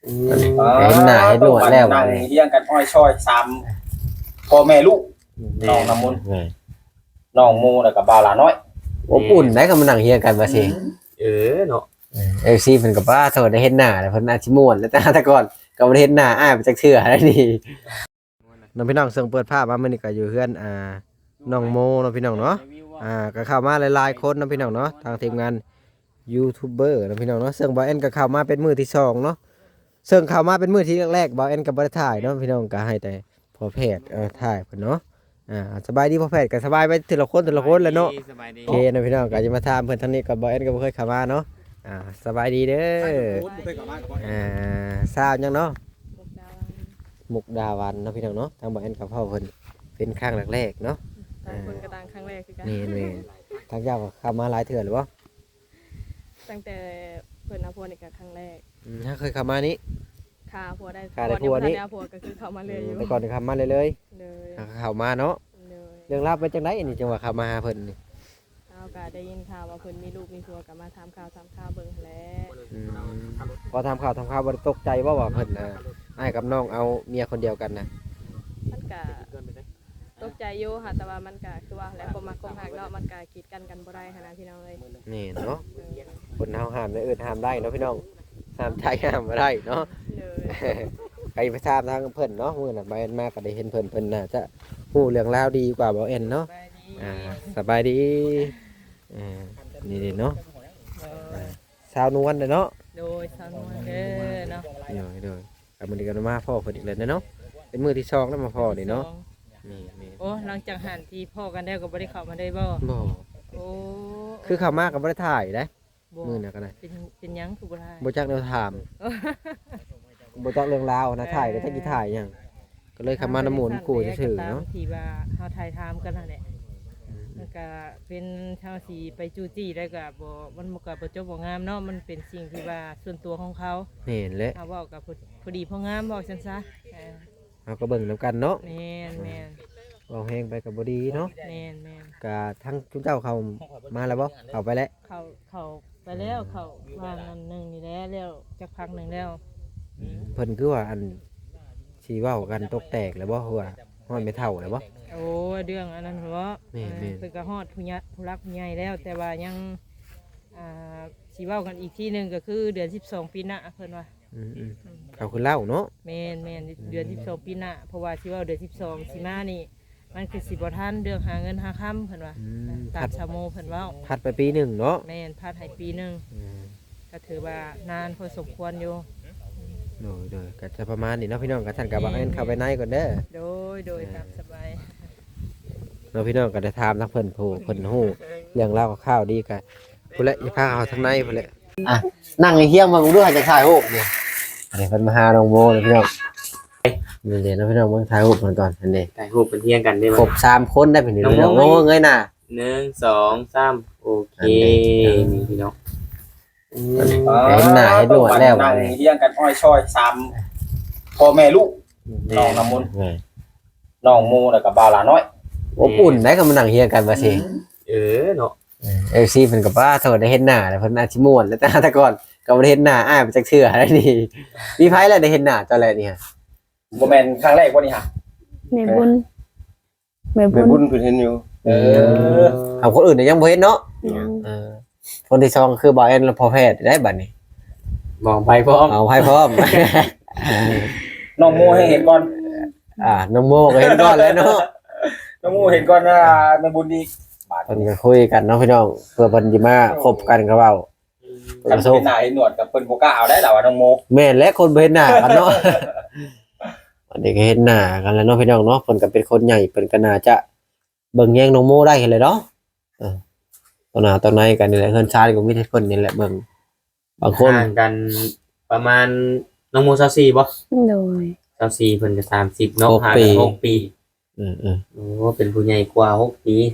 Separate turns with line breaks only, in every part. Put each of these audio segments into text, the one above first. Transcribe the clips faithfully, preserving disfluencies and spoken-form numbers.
เห็นหน้าเห็นหนวดแล้ว
นั่งเลี้ยงกันอ้อยช้อยซ้ำพ่อแม่ลูกน้องน้ำมนต์น้องโมแล้วก็บ่าวหลาน้อย
อบอุ่นได้ก็มานั่งเฮียกันว่าสิ
เออเนาะ
เอฟซีเพิ่นก็บ่าโทษได้เห็นหน้าแล้วเพิ่นอาจสิม่วนแล้วแต่แต่ก่อนก็บ่ได้เห็นหน้าอ้ายไปจักเทื่อแล้วนี่น้องพี่น้องเสิ่งเปิดภาพมามื้อนี้ก็อยู่เฮือนอ่าน้องโมเนาะพี่น้องเนาะอ่าก็เข้ามาหลายๆคนเนาะพี่น้องเนาะทางทีมงานยูทูบเบอร์เนาะพี่น้องเนาะเสิ่งบ่าวแอนก็เข้ามาเป็นมื้อที่สองเนาะเสิ่งเข้ามาเป็นมื้อที่แรกๆบ่าวแอนก็บ่ได้ถ่ายเนาะพี่น้องก็ให้แต่พอแพทย์เออถ่ายเพิ่นเนาะอ่าสบายดีพอแพทย์ก็สบายไปทีละคนทีละคนแหละเนาะโอเคนะพี่น้องก็จะมาถามเพิ่นทางนี้ก็บ่าวแอนก็บ่เคยเข้ามาเนาะอ่าสบายดีเด้ออ่าทราบยังเนาะมุกดาวันเนาะพี่น้องเนาะทางบ่าวแอนกับพ่อเพิ่นเป็นครั้งแรกๆเนาะ
ต่างคนก็ต่างครั้งแรกคือกัน
นี่ๆทางเจ้าก็เข้ามาหลายเทื่อหรือบ่
ตั้งแต่เพิ่นเอาผัวนี่ก็ครั้งแรก
อืมถ้าเคยเข้ามานี่
ค่าผัวได้
ค่าได้ผัวนี่
ผัวก็คือเข้ามาเลยอยู่
แต่ก่อนนี่เข้ามาเลยเลย
เลย
เข้ามาเนาะเรื่องราวเป็นจังได๋นี่จังว่าเข้ามาหาเพิ่นนี่
เอาก็ได้ยินข่าวว่าเพิ่นมีลูกมีผัวก็มาถามข่าวถามข่าวเบิ่งแหละ
อืมพอทำข่าวทำข่าวบ่ได้ตกใจบ่ว่าเพิ่นน่ะอ้ายกับน้องเอาเมียคนเดียวกันน่ะ
มันก็ตกใจอยู่ค่ะแต่ว่ามันก็คือว่าแล้วความมักความหักเนาะมันก็กีดกันกันบ่ได้หันนะพี่น้องเอ้ย
นี่เนาะคนเฮาห้ามได้อื่นห้ามได้เนาะพี่น้องห้ามใจห้ามบ่ได้เนาะไปไปถามทางเพิ่นเนาะมื้อน่ะบ่แอนมาก็ได้เห็นเพิ่นเพิ่นน่าจะฮู้เรื่องราวดีกว่าบ่แอนเนาะอ่าสบายดีอ่านี่ๆเนาะสาวนวลเนาะ
โดยสาวนวลเด้อเนาะ
โดยๆก็มื้อนี้ก็มาพ่อเพิ่นอีกแล้วเนาะเป็นมื้อที่สองแล้วมาพ่อนี่เนาะนี่
ๆโอ้หลังจากหันที่พ่อกันแล้วก็บ่ได้เข้ามาได้บ่
บ่
โอ้
คือเข้ามาก็บ่ได้ถ่ายเด้มื้อน่ะก็ได้
เป็นเป็นหยังคือบ่ถ่าย
บ่จักแนวถามบ่จักเรื่องราวนะถ่ายก็จักสิถ่ายหยังก็เลยเข้ามาน้ำหมุนกูซื่อๆเนาะ
ที่ว่าเฮาถ่ายทำกันนั่นแหละแล้วก็เป็นชาวสีไปจู้จี้แล้วก็บ่มันบ่ก็บ่จบบ่งามเนาะมันเป็นสิ่งที่ว่าส่วนตัวของเขา
เห็นแล้ว
เฮาเว้ากับพอดีพองามเว้าซั่นซะเออ
เฮาก็เบิ่งนำกันเนาะ
แม่นแม่น
เว้าแฮงไปก็บ่ดีเนาะ
แม่นแม่น
ก็ทั้งทุกเจ้าเข้ามาแล้วบ่เข้าไปแล้ว
เข้าเข้าไปแล้วเข้าว่างอันนึงนี่แหละแล้วจักพักนึงแล้ว
เพิ่นคือว่าอันสิเว้ากันตกแตกแล้วบ่ว่าฮอดไม่เท่าแล้วบ่
โอ้เรื่องอันนั้นเหรอเพิ่นก็ฮอดผู้ใหญ่ผู้รักผู้ใหญ่แล้วแต่ว่ายังอ่าสิเว้ากันอีกทีนึงก็คือเดือนสิบสองปีหน้าเพิ่นว่า
อืมๆเขาคือเล่าเนาะ
แม่นแม่นเดือนสิบสองปีหน้าเพราะว่าสิเว้าเดือนสิบสองสิมานี่มันคือสิบ่ทันเรื่องหาเงินหาค่ำเพิ่นว่าตามชาวโมเพิ่นเว้า
พัดไปปีนึงเนาะ
แม่นพัดให้ปีนึงก็ถือว่านานพอสมควรอยู่
โดยโดยก็จะประมาณนี้เนาะพี่น้องกับท่านกับบางเอ็นเข้าไปในก่อนเด้อ
โดยโดยตามสบาย
เนาะพี่น้องก็ได้ถามทั้งเพิ่นผู้เพิ่นฮู้เรื่องเล่าข้าวดีก็พุ่นแหละอย่าพาเอาทางในพุ่นแหละอ่ะนั่งเฮียงมากูด้วยจะถ่ายรูปเนี่ยอันนี้เพิ่นมาหาน้องโมเลยพี่น้องนี่เดี๋ยวนะพี่น้องมาถ่ายรูปกันก่อนอันนี้
ถ่ายรูปเป็นเฮียงกันได้มั้ย
ครบสามคนได้เป็นพี่น้องโอ้เงยหน้า
หนึ่ง สอง สามโอเคนี่พี่น้อง
เห็นหน้าเห็นหนวดแล้ว
นั่งเลี้ยงกันอ้อยช้อยซ้ำพ่อแม่ลูกน้องน้ำมนต์น้องโมแล้วก็บ่าวหลาน้อย
อบอุ่นได้ก็มานั่งเฮียงกันว่าสิ
เออเนาะ
เอฟซีเพิ่นก็บ่าโทษได้เห็นหน้าแล้วเพิ่นอาจสิม่วนแล้วแต่แต่ก่อนก็บ่ได้เห็นหน้าอ้ายไปจักเทื่อแล้วนี่มีไผแล้วได้เห็นหน้าตอนแรกนี่ฮะ
บ่แม่นครั้งแรกบ่นี่ฮะ
แม่บุญแม่บุญ
แม่บุญเพิ่นเห็นอยู่เอ
อเอาคนอื่นยังบ่เห็นเนาะเออคนที่สองคือบ่าวแอนพอแพทย์ได้บัดนี้
มองไปพร้อม
เอาไปพร้อม
น้องโมให้เห็นก่อน
อ่าน้องโมก็เห็นก่อนแล้วเนาะ
น้องโมเห็นก่อนว่าแม่บุญดี
เพิ่นก็คุยกันเนาะพี่น้องเพื่อเพิ่นสิมาคบกันก็เว้า
เพิ่นเห็นหน้าเห็นหนวดกับเพิ่นบ่กล้าเอาได้ล่ะว่าน้องโม
แม่นและคนบ่เห็นหน้ากันเนาะอันนี้ก็เห็นหน้ากันแล้วเนาะพี่น้องเนาะเพิ่นก็เป็นคนใหญ่เพิ่นก็น่าจะเบิ่งแย่งน้องโมได้เห็นเลยเนาะเออตอนหน้าตอนไหนกันนี่แหละเฮือนชาติก็มีแต่เพิ่นนี่แหละเบิ่งบางคน
ห่างกันประมาณน้องโมยี่สิบสี่บ่
โดย
ยี่สิบสี่เพิ่นก็สามสิบเนาะห่างกันหกปี
อือๆ
โอ้เป็นผู้ใหญ่กว่าหกปี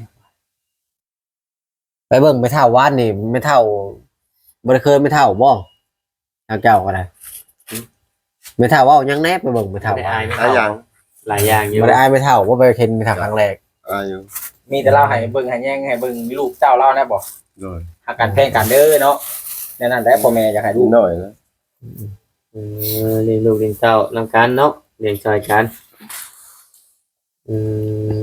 ไปเบิ่งไม่เท่าวานนี่ไม่เท่าบ่ได้เคยไม่เท่าบ่ทางเจ้าก็ได้ไม่เท่าเว้ายังแน่ไปเบิ่งไม่เท่าหล
ายอย่างหลายอย่างอยู่
บ่ได้อายไม่เท่าบ่ไปเห็นไม่เท่าครั้งแรก
อ่าอยู่มีแต่เล่าให้เบิ่งให้แย่งให้เบิ่งมีลูกเจ้าเล่าแน่บ่
โดย
หากันแพงกันเด้อเนาะแน่นั่นแหละพ่อแม่อยากให้ลูก
น้อยนะ
เออเลี้ยงลูกเลี้ยงเต้านำกันเนาะเลี้ยงซอยกันอืม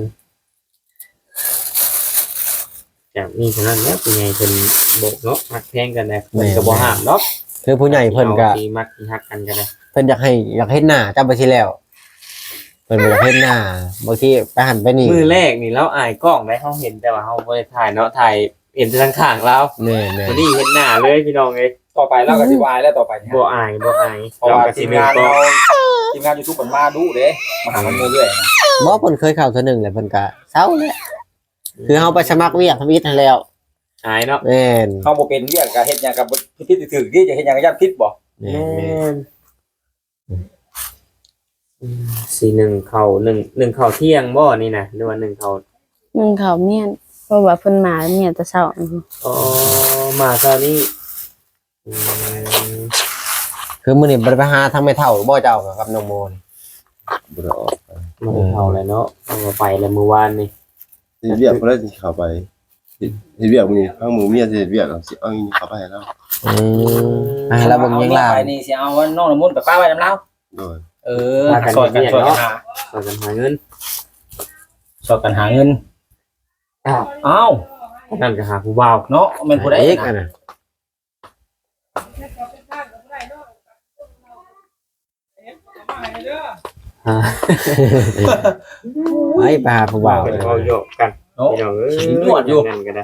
จากนี้ฉะนั้นแล้วเป็นไงเป็นโบกเนาะมักแพงกันนะเพิ่นก็บ่ห้ามเนาะ
คือผู้ใหญ่เพิ่นก็
สิมักสิฮักกันก็ได้
เพิ่นอยากให้อยากเฮ็ดหน้าจำไปทีแล้วเพิ่นบ่อยากเฮ็ดหน้าบางทีไปหันไปนี่
มือแรกนี่เราอายกล้องได้เฮาเห็นแต่ว่าเฮาบ่ได้ถ่ายเนาะถ่ายเห็นแต่ทางข้างเรา
แม่แม่
วันนี้เห็นหน้าเลยพี่น้องเอ้ย
ต่อไปเราก็สิวายแล้วต่อไปเนี่ย
บ่อายบ่อาย
เพราะว่า
ก็
ที
สิ
ม
มี
งาน
ก็
เราทีมงาน YouTube มันมาดูเด้มาหามันเรื่อยๆนะ
บ่เพิ่นเคยเข้าเทื่อหนึงแหละเพิ่นก็เซาแหละคือเฮาไปสมัครเวียกทวิตให้แล้ว
อายเนาะ
แม่น
เฮาบ่เป็นเรียกก็เฮ็ดหยังกับผิดถึกๆที่จะเฮ็ดหยังก็ย่านผิดบ่
แม่
แม่
นแม่น
นอืมสี่หนึ่งเข้าหนึ่งหนึ่งเข้าเที่ยงบ่นี่นะหรือว่าหนึ่งเข้า
นึ่งข้าวเมียนเพราะว่าเพิ่นมาเมียนแต่เช้าอือ
อ๋อมาตอนนี้อืม
คือมื้อนี้บ่ได้ไปหาทางแม่เฒ่าบ่เจ้ากับน้องโมนี่
บ่ได้ออกไป
มันเข้าแล้วเนาะเอามาไปแล้วเมื่อวานนี่
เฮ็ดเวียกเพิ่นเลยสิเข้าไปเฮ็ดเฮ็ดเวียกมื้อนี้ทางหมู่เมียสิเฮ็ดเวียกเอาสิเอาอีนี่เข้าไปให้เรา
อืมอ่าแล้วเบิ่งยังลาว
ไปนี่สิเอาน้องน้ำมนต์ไปป้าไว้นำเรา
โดย
เออช่วยกันช่วยกันหา
ช่วยกันหาเงิน
ช่วยกันหาเงิน
อ้าว
เอ้า
นั่นก็หาผู้บ่าว
เนาะแม่นผู้ใด
เอก
นะ
อันน่ะ
อ่า
ไปไปหาผู้บ่าว
เป็น
เลย
เว้าโยกกัน
เนาะ
พี่น้องเอ้ย
สินวดอยู่
นั่นก็ได้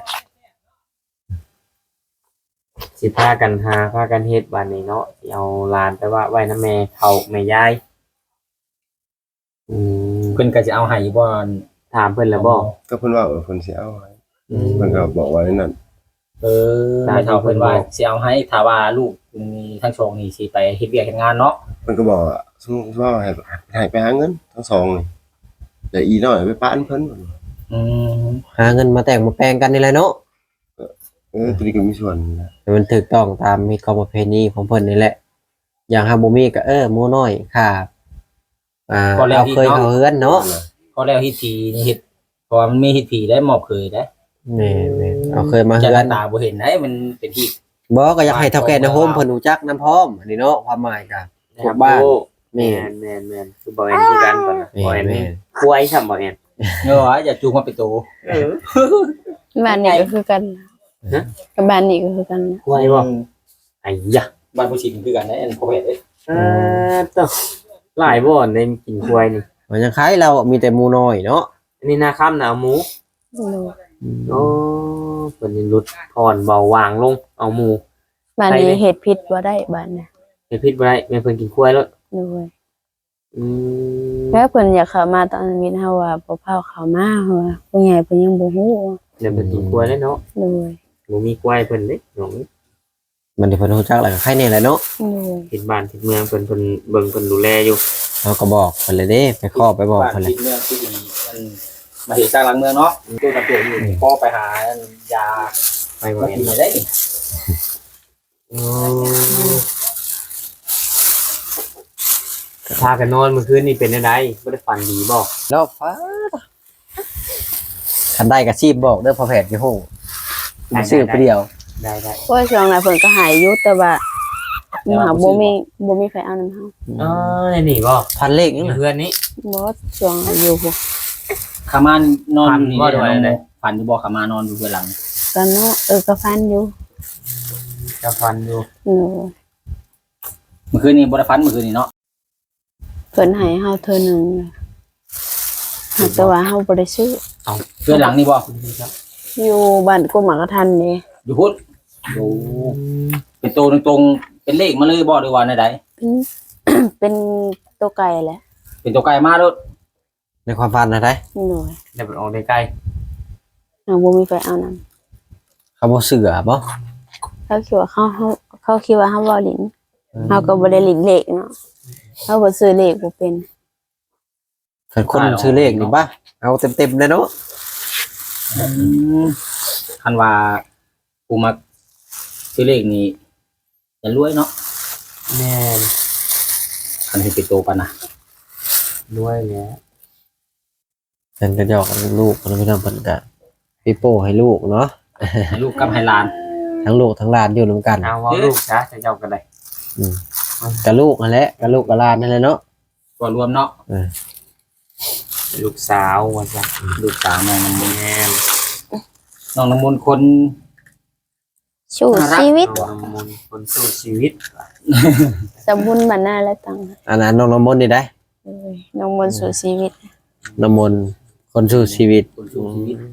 สิพากันหาพากันเฮ็ดวันนี้เนาะสิเอาหลานไปว่าไว้นำแม่เฒ่าแม่ยายอืม
เพิ่นก็สิเอาให้บ่
ถามเพิ่นแล้วบ่
ก็เพิ่นว่าเออเพิ่นสิเอาให้
อืม
เพิ่นก็บอกว่านั่น
เออให้เท่าเพิ่นว่าสิเอาให้ถ้าว่าลูกมีทั้งสองนี่สิไปเฮ็ดเวียกเฮ็ดงานเนาะ
เพิ่นก็บอกว่าสมมุติว่าให้ให้ไปหาเงินทั้งสองนี่แล้วอีน้อยไปปานเพิ่น
อืม
หาเงินมาแต่งมาแปลงกันนี่แหละเนาะ
เออตัวนี้ก็มีส่วนนะ
ให้มันถูกต้องตามมีกรรมประเพณีของเพิ่นนี่แหละ อย่างหาบ่มีก็เออหมู่น้อยค่ะอ่าเอาเคยเขาเฮือนเนาะ
ก็แล้วเฮ็ดทีนี่เฮ็ดเพราะว่ามันมีเฮ็ดทีได้มอบเคยได้
แม่ๆเอาเคยมา
จะ
เฮือน
ตาบ่เห็นได้มันเป็นที่
บ่ก็อยากให้เฒ่าแก่ในโฮมเพิ่นรู้จักนํพร้อมอันนี้เนาะความหมายก็ พวกบ้าน
แม่นแม่นแม่นคือบ่แม่นคือกันก่อนนะบ่แม่น
แม่
ควายซ้ํบ่แม่น
เนาะอย่าจูงมาเป็นโต
เออ
บ้านนี้ก็คือกัน
ฮะ
กับบ้านนี้ก็คือกันนะ
ควายบ่ไอ้ยะ
บ้านผู้ชิงคือกันได้อันพ่อแม่เด้
เออต้องหลายบ่อนในกินควายนี่
มันยังคล้ายเรามีแต่หมู่น้อยเนาะ
อันนี้นาค่ำนะเอาหมู
โดย
โอ้เพิ่นนี่ลดผ่อนเบาหวางลงเอาหมู
บ้านนี้เฮ็ดผิดบ่ได้บ้านน่ะ
เฮ็ดผิดบ่ได้แม่เพิ่นกินควายแล้ว
โดย
อืม
แล้วเพิ่นอยากเข้ามาตอนนี้เฮาว่าบ่พาเข้ามาเฮาว่าผู้ใหญ่เพิ่นยังบ่ฮู้
เดี๋ยวเพิ่นกินควายแล้วเนาะ
โดย
บ่มีควายเพิ่นเด้น้อง
มันที่เพิ่นรู้จักแล้วก็ใครแน่แหละเนาะ
โดย
เฮ็ดบ้านเฮ็ดเมืองเพิ่นเพิ่นเบิ่งเพิ่นดูแลอยู่
เราก็บอกเพิ่นเลยเด้ไปขอไปบอก
บ้าน
เพิ่นเล
คิ
ย
ดเมืองที่ดีมันมาเฮ็ดสร้างหลังเมืองเนาะตู้ตะเกียบอยู่พ่อไปหายา
ไปบ่
มา
แม่
กิ
น
นได้นี่
โอ้พากันนอนเมื่อคืนนี่เป็นจังได๋บ่ได้ฝันดีบ่
แล้วฟ้าคันได้ก็ชีพบอกเด้อพ่อแพทย์อยู่ห้องมาซื้อไปเดียว
ได้ได้
เพราะว่าช่วงนั้นเพิ่นก็หายอยู่แต่ว่าหาบ่มีบ่มีไฟเอานำเฮา
อ๋อนี่บ่
พันเลขยังน่ะ
เพื่อนนี้
บ่ช่วงอยู่พวก
ขามานนอนอยู่นี่
ฝันบ่ด้วยเลย
ฝันอยู่บ่ขามานอนอยู่เบื้องหลัง
กันเนาะเออก็ฟันอยู่
จะฟันอยู่
โอ้ย
เมื่อคืนนี้บ่ได้ฝันเมื่อคืนนี้เนาะ
เพิ่นให้เฮาเทื่อหนึงหากแต่ว่าเฮาบ่ได้ซื้อ
เบื้องหลังนี่บ่
อยู่บ้านกุมหมากระทันนี่
อยู่พุทธอยู่เป็นโตตรงๆเป็นเลขมาเลยบ่หรือว่าใด
เป็น เป็นตัวไก่แหละ
ๆเป็นตัวไกลมาโลด
ในความฝันนะได้
หน่อย
เดี๋ยวไปออกใกล้
เฮาบ่มีไฟเอานำ
เขาบ่เสือบ่
เขาคิดว่าเขาเขาเขาคิดว่าเฮาบ่ลิ้นเฮาก็บ่ได้ลิ้นเลขเนาะเฮาบ่ซื้อเลขบ่เป็น
คันคนซื้อเลขนี่บ่เอาเต็มๆเลยเนาะ
คันว่ากูมาซื้อเลขนี้จะรวยเนาะ
ๆแม่น
คันที่เป็นโตปานน่ะ
ด้วยแหละ
เพิ่นก็หยอกลูกเพิ่นพี่น้องเพิ่นก็ปีโป้ให้ลูกเนาะ
ให้ลูกกับให้หลาน
ทั้งลูกทั้งหลานอยู่นํกัน
เอาว่าลูกจ้าจะเจ้ากันเลย
อืมกับลูกนั่นแหละกับลูกกับหลานนั่นแหละเนาะ
ก็รวมเนาะ
ลูกสาวว่าจ้ะ
ลูกสาวน้องน้ำมนต์
แม่น
น้องน้ำมนต์คน
สู้ชีวิต
น้องน้ำมนต์คนสู้ชีวิต
สมบุญบรรณาและตัง
อันนั้นน้องน้ำมนต์นี่ได้
เอ้ยน้องมนต์สู่ชีวิต
น้ำมนต์คนสู้ชีวิต
คนสู้ชีวิต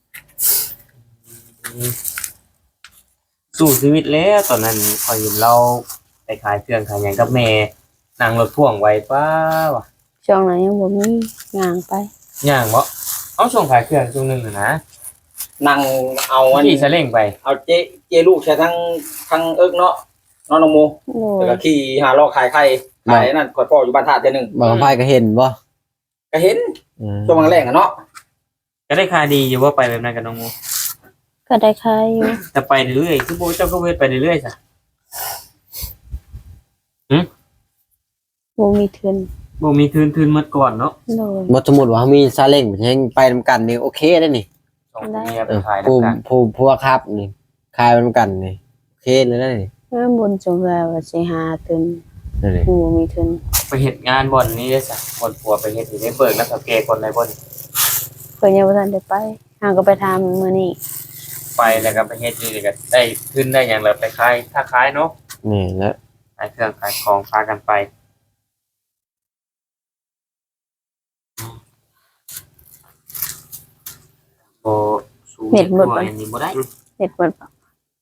สู้ชีวิตแล้วตอนนั้นพอเห็นเราไปขายเครื่องขายหยังกับแม่นั่งรถพ่วงไว้ป้าวะ
ช่วงนั้นยังบ่มีงานไป
ย่างบ่เอาส่งขายเครื่องช่วงหนึงน่ะนะ
นั่งเอาอัน
ขี่ซาเล้งไป
เอาเจเจลูกใช้ทั้งทั้งเอิกเนาะน้องน้องโม
โด
แล้ว
ย
ก็ขี่หาลอกขายไข่ขายนั่นขอดพ่ออยู่บ้านธาตุเจนึง
บางไฟก็เห็นบ่
ก็เห็น
อืม
ช่วงแรกๆอะเนาะ
ก็ได้ค่าดีอยู่ว่าไปแบบนั้นกับน้องโม
ก็ได้ค่ายอยู่
แต่ไปเรื่อยๆคือโบเจ้าก็เวทไปเรื่อยๆจ้ะ
บ่มีทุน
โบมีทืนทืนๆมาก่อนเนาะ
โดย
บ่สมมุติว่ามีซาเล้งมันยังไปนำกันนี่โอเคได้นี่
สองคนเมียไป
เออ
ขายแล้ว
ผู้
กัน
ผู้ผู้ครับนี่คายไปนำกันนี่โอเคเลยนะนี่
เมื่อบุญจงเฮือว่าสิหาทุน
นั่นนี่
บ่มีทุน
ไปเห็ดงานบ่อนนี้ได้จ้ะคนผัวไปเห็ดอยู่ในเบิกนักสังเกตคนในบ่อน
เพิ่นยังบ่ทันได้ไปหาก็ไปทำมื้อนี้
ไปแล้วก็ไปเห็ดนี่ก็ได้ขึ้นได้อย่างเราไปขายถ้าขายเนาะ
นี่แล้ว
ขายเครื่องขายของพากันไปโบสูงตัวอันนี้บ่ได้
เฮ็ดบ่ปะ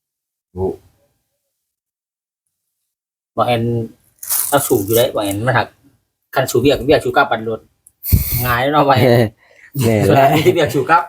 บางแอนเอาสูบอยู่ได้บางแอนมันหักคันสูบเบียกเบียกชูกับปันรถง่ายเนาะบางแอน
นี่
ส่วน
แหละ
อันนี้ที่เบียกชูกับ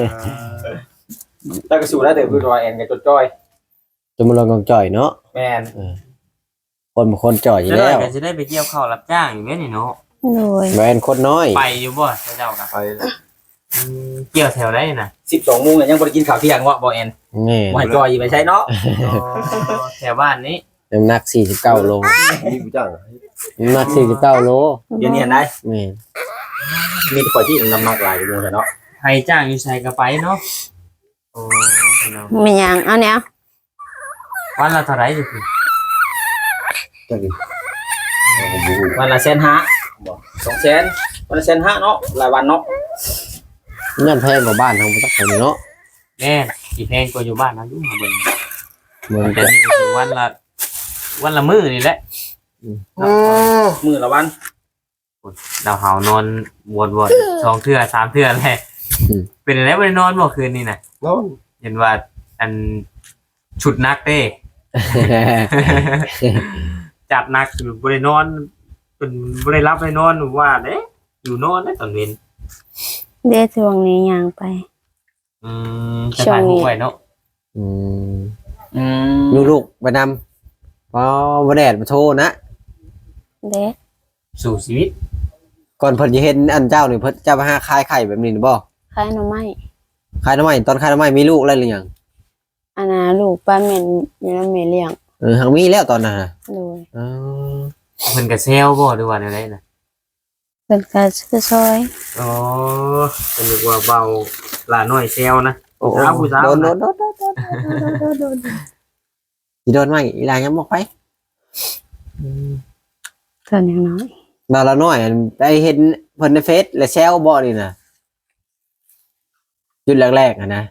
แล้วก็สูบได้แต่คือรอยแอนกับจดจ้อย
จะมาลองกองจ่อยเนาะ
แม่น
คนบางคนจ่อยอยู่
จะได้
แล้ว
ก็จะได้ไปเกี่ยวข้าวรับจ้างอยู่แม่นี่เนาะ
โดย
แวนคนน้อย
ไปอยู่บ่เจ้ากัน
ไปแล้ว
เกี่ยวแถวได้น่ะ
สิบสองโมงเนี่ยยังบ่ได้กินข้าวเที่ยงวะบางแอน
นี่
บ่ให้จอยไปใช้เนาะ
แถวบ้านนี้
น้ำหนักสี่สิบเก้าโล
มีผู้จ้าง
น้ำหนักสี่สิบเก้าโล
เดี๋ยวนี้เห็นได้
นี่
มีแต่คนที่น้ำหนักหลายอยู่โมงแต่เนาะ
ใครจ้างอยู่ใส่กระไปเนาะโอ้พี่น้อง
มีหยังเอาเนี่ย
วันละเท่าไหร่อยู่พี่
จ้างดิ
วันละแสนห้าบ่สองแสนวันละแสนห้าเนาะรายวันเนาะ
นั่นแพงกว่าบ้านทางประเทศเนาะ
แม่กี่แพงกว่าอยู่บ้านนะยุ่งมาเบิ่ง
เมือง
แต่
จะ
นี่ก็คือวันละวันละมื้อนี่แหละ
มือละวัน
ดาวเฮานอนวนๆสองเทื่อสามเทื่อแหละเป็นอะไรบ่ได้นอนบ่คืนนี้น่ะ
นอน
เห็นว่าอันชุดนักเด้ จัดหนักอยู่บ่ได้นอนเป็นบ่ได้รับได้นอนว่าเด้อยู่นอนได้ตอนเว้น
เด้ช่วงนี้ย่างไป
อืมจะถ่ายรูปไว้เนาะ
อืม
อืม
ลูกลูกๆไปนำพอวันแดดมาโทรนะ
เด้
สู่ชีวิต
ก่อนเพิ่นจะเห็นอันเจ้านี่เพิ่นจะมาหาคายไข่แบบนี้หรือบ่
ขายหน่อไม้
คายทำไมตอนคายทำไมมีลูกอะไรหรือยัง
อันน่ะลูกป้าแม่นอยู่นำแม่เลี้ยง
เออหังมีแล้วตอนนั้นน่ะ
โดย
เออ
เพิ่นก็แซวบ่หรือว่าแนวใดน่ะ
เพิ่นก็ซื้อซอย
อ๋อเพิ่นนึกว่าเบาหลาน้อยแซวนะ
โอ้โห
สาวผู้สาว
โดนโด
นะ
นโดนโดนโดนโดนโดนอีโดนไหมอีหลานยังบอกไป
เพิ่นยังน้อย
ดาวละน้อยอันได้เห็นเพิ่นในเฟซและแซวบ่นี่น่ะยุดแรกๆอ่ะนะ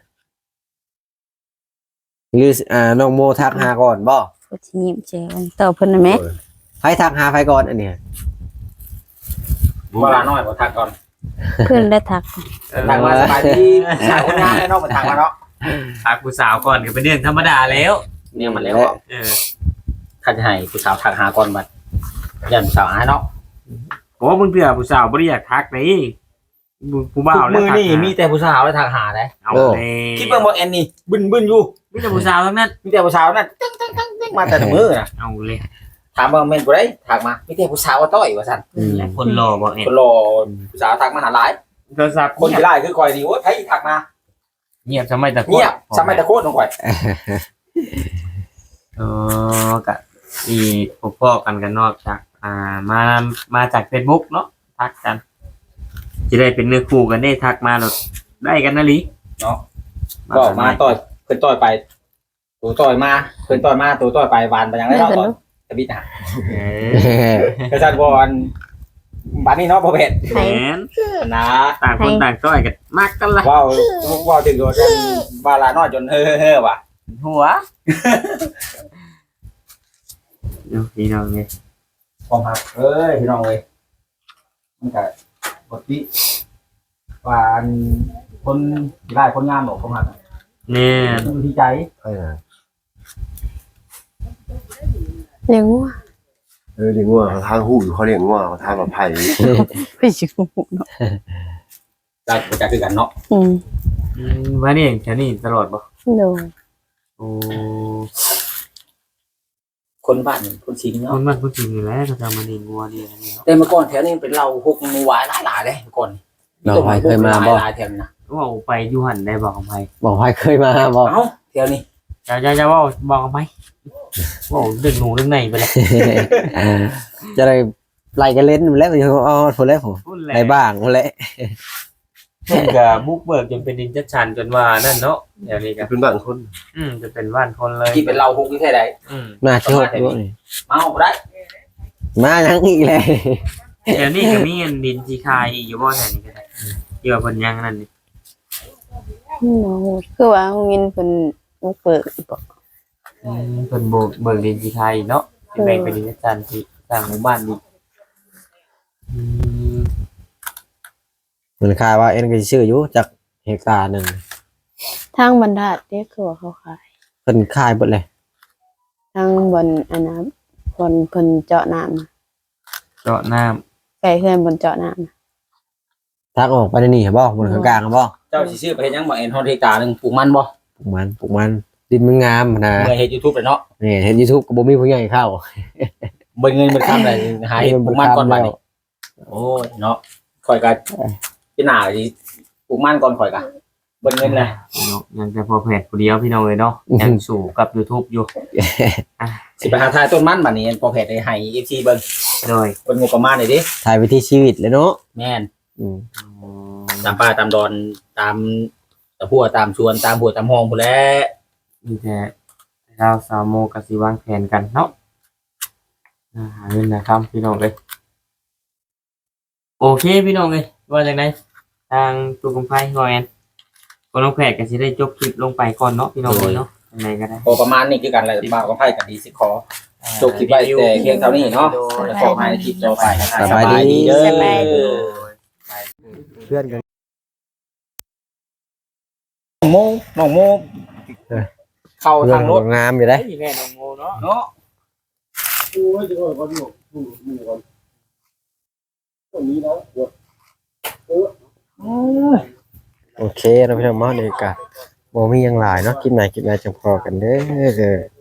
หรืออ่าน้องโมทักหาก่อนบ่
ผู้ที่ยิ้มแจ่มตอบเพิ่นน่ะแม่
ใครทักหาใครก่อนอันเนี้ย
เวลาน้อยบ่ทักก่อน
เพิ่นได้ทัก
ทักมาสบายดีสาวคนงานให้เนาะมาทักมาเนาะ
ทักผู้สาวก่อนก็เป็นเรื่องธรรมดาแล้ว
เนี่ยมันแล้วอะ
เออ
ถ้าจะให้ผู้สาวทักหาก่อนบัดยันผู้สาวหาเนาะ
โอ้มึงเถื่อผู้สาวบ่ได้อยากทักนี่ผู้บ่าวแล้ว
มือ
ทัก
นี่
หา
มีแต่ผู้สาวแล้วทักหาได้
เอาเลย
คิดเบิ่งบ่แอนนี่บึนบึนอยู่
มีแต่ผู้สาวทั้งนั้น
มีแต่ผู้สาวนั่นตึ้งตึ้งตึ้งตึ้งมาแต่ละมือน่ะ
เอาเลย
ถามว่าแม่นบ่ได้ทักมามีแต่ผู้สาวว่าต้อยว่าซั่น
อืม
คนรอบ่เอ็
คนรอผู้สาวทักมาหาหลาย
โทรศัพท์
คนที่ไล่คือคอยนี่โอ้ยไผทักมา
เงียบทำไมตะโกน
เงียบสมัยตะโคตรของข่อย
เออกะอีพวกพ่อกันกันนอกจากอ่ามามาจาก Facebook เนาะทักกันจะได้เป็นเนื้อคู่กันได้ทักมาหรอกได้กันนะลิ
เนาะก็มาต่อยเพิ่นต่อยไปตัวต่อยมาเพิ่นต่อยมาตัวต่อยไปหวานไปยังไงเนาะต่อยตะบิดนะ
เออก
ระชันบอลบ้านนี้เนาะพ่อเพชร
แหมน
นะ
ต่างคนต่างต้อยกันมากกันละ
ว้าวว้าวถึงโดนกันบาลาน้อยจนเฮ้อเฮ้อว่ะ
หัวเดี๋ยวพี่น้องนี่
ความหักเอ้ยพี่น้องเลยมันก็ปกติว่าอันคนได้คนงามหรอกความหัก
เนี่ย
มันอยู่ที่ใจ
ใช่นะ
เลี้ยงวัว
เออเลี้ยงงัวเขาทางหูอยู่เขาเลี้ยงงัวเขาทางแบบไผ่
ไปชิวเนาะ
ได้จะคือกันเนาะ
อืม
อืมมานี่แถวนี้ตลอดบ่
โดย
โอ้
คนบ้านคนชิง
ค
เนาะ
นบ้านคนจริงอยู่แล้วเขาจะมานี่งัวนี่อันนี้เนาะ
แต่เมื่อก่อนแถวนี้เป็นเราหกงูหวายหลายหลายเลยเมื่อก่อน
เราไปเคยมาบ่
หลายแถวนี้นะ
ว่าไปอยู่หันได้บอกกับไผ
บอกว่าเคยมาบอก
เอ้าแถวนี้
จะจะจะว่าบอกกับไผว่าเรื่องหนูเรื่องไหนไปเลย
จะได้ไล่กันเล่นแล้วมันอ๋อพอแล้วผม
พูดแหละ
ได้บ้างพอแล้ว
เพิ่นก็บุกเบิกจนเป็นดินจัดชันจนว่านั่นเนาะเดี๋ยวนี้ก็
เป็นบ้านคน
อืมจะเป็นบ้านคนเลย
ที่เป็นเราหกที่แท้ใด
อืม
น่าเชื่อด้วย
มาเอาบ่ได้
มายังอีกเลย
เดี๋ยวนี้ก็มีเงินดินที่คายอีกอยู่บ่แถวนี้ก็ได้เกี่ยวกับเพิ่นยังนั่นนี่
โน้คือว่าโรงเรียนเพิ่นบ่เปิดบ่
อืมเพิ่นโบกเบิกดินที่คายอีกเนาะที่แบ่งเป็นดินจัดชันที่สร้างหมู่บ้านอีกอืม
มันคายว่าเอ็นก็สิชื่ออยู่จากเฮกตาร์หนึ่ง
ทางบรรทัดเด้คือว่าเขาขาย
เพิ่นคายหมดเลย
ทางบนอันนั้นบนเพิ่นเจาะน้ำน่ะ
เจาะน้ำ
ไก่เพื่อนบนเจาะน้ำน่ะ
ทางออกไปในนี่บ่บนข้างกลางบ่
เจ้าสิซื้อไปเฮ็ดหยังบ่เอ็นฮอนเทตาหนึงปลูกมันบ่
ปลูกมันปลูกมันดินมันงามนะ
เมื่อเฮ็ด YouTube เลยเนาะ
นี่เห็น YouTube ก็บ่มีผู้ใหญ่เข้า
เบิ่งเงินมันคำได้หาเฮ็ดปลูกมันก่อนบัดนี้โอ้ยเนาะข่อยก็พี่หน้าสิปลูกมันก่อนข่อยก็เบิ่งเงินนะ
เนาะยังจะพอแผดผู้เดียวพี่น้องเลยเนาะยังสู่กับ YouTube อยู่
สิไปหาทายต้นมันบัดนี้พอเพจได้ให้ เอฟ ซี เบิ่ง
โดย
เบิ่งงบประมาณหน่อยดิ
ถ่ายวิถีชีวิตเลยเนาะ
แม่น
อืม
ตามป่าตามดอนตามตะพัวตามชวนตามหัวตามห้องพุ่นแหละ
มีแต่เราสาวโมกับสิวางแผนกันเนาะอ่าหาเงินนะครับพี่น้องเลยโอเคพี่น้องเลยว่าจากไหนทางตัวกำไพงอยแอนก็น้องแผดก็สิได้จบคลิปลงไปก่อนเนาะพี่น้องเลยเนาะยังไงก็ได้
พอประมาณนี้คือกันแหละบ่าวกับไผกันดีสิขอจบคลิปไว้แต่เพียงเท่านี้เนาะแล้วขอให้คลิปต่อไปนะครับ
สบายดี
เด้อ
สบายดี
เพื่อนกัน
น้องโมน้องโมเข้า
เพื่อ
ทาน งรถ
งามอยู่ได้
แม่น้องโมเนาะ
เนาะ
โอ้ยจะก่อนก่อนอยู่อยู่อยู่ก่อนตรงนี้นะ
โอเคเราพี่น้องมาเลยกะบ่มีหยังหลายเนาะคลิปไหนคลิปไหนจังพอกันเด้อ